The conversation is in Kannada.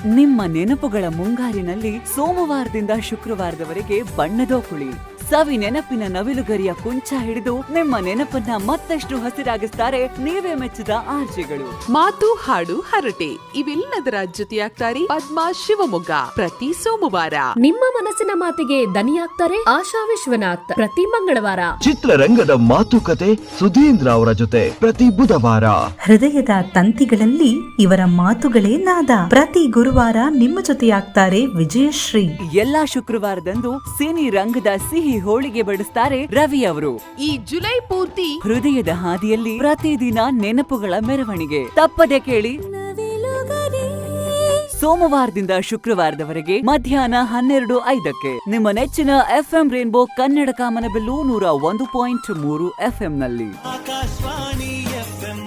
ನಿಮ್ಮ ನೆನಪುಗಳ ಮುಂಗಾರಿನಲ್ಲಿ ಸೋಮವಾರದಿಂದ ಶುಕ್ರವಾರದವರೆಗೆ ಬಣ್ಣದ ಕುಳಿ ಸವಿ ನೆನಪಿನ ನವಿಲುಗರಿಯ ಕುಂಚ ಹಿಡಿದು ನಿಮ್ಮ ನೆನಪನ್ನ ಮತ್ತಷ್ಟು ಹಸಿರಾಗಿಸ್ತಾರೆ ನೀವೇ ಮೆಚ್ಚಿದ ಆರ್ಜೆಗಳು. ಮಾತು ಹಾಡು ಹರಟೆ ಇವೆಲ್ಲದರ ಜೊತೆಯಾಗ್ತಾರೆ ಪದ್ಮಾ ಶಿವಮೊಗ್ಗ ಪ್ರತಿ ಸೋಮವಾರ. ನಿಮ್ಮ ಮನಸ್ಸಿನ ಮಾತಿಗೆ ದನಿಯಾಗ್ತಾರೆ ಆಶಾ ವಿಶ್ವನಾಥ್ ಪ್ರತಿ ಮಂಗಳವಾರ. ಚಿತ್ರರಂಗದ ಮಾತುಕತೆ ಸುಧೀಂದ್ರ ಅವರ ಜೊತೆ ಪ್ರತಿ ಬುಧವಾರ. ಹೃದಯದ ತಂತಿಗಳಲ್ಲಿ ಇವರ ಮಾತುಗಳೇ ನಾದ. ಪ್ರತಿ ಗುರುವಾರ ನಿಮ್ಮ ಜೊತೆಯಾಗ್ತಾರೆ ವಿಜಯಶ್ರೀ. ಎಲ್ಲಾ ಶುಕ್ರವಾರದಂದು ಸಿನಿ ರಂಗದ ಸಿಹಿ ಹೋಳಿಗೆ ಬಡಿಸ್ತಾರೆ ರವಿ ಅವರು. ಈ ಜುಲೈ ಪೂರ್ತಿ ಹೃದಯದ ಹಾದಿಯಲ್ಲಿ ಪ್ರತಿದಿನ ನೆನಪುಗಳ ಮೆರವಣಿಗೆ ತಪ್ಪದೆ ಕೇಳಿ. ಸೋಮವಾರದಿಂದ ಶುಕ್ರವಾರದವರೆಗೆ ಮಧ್ಯಾಹ್ನ 12:05 ನಿಮ್ಮ ನೆಚ್ಚಿನ FM ರೇನ್ಬೋ ಕನ್ನಡ ಕಾಮನಬಿಲ್ಲು 101.3 FM ನಲ್ಲಿ. ಆಕಾಶವಾಣಿ FM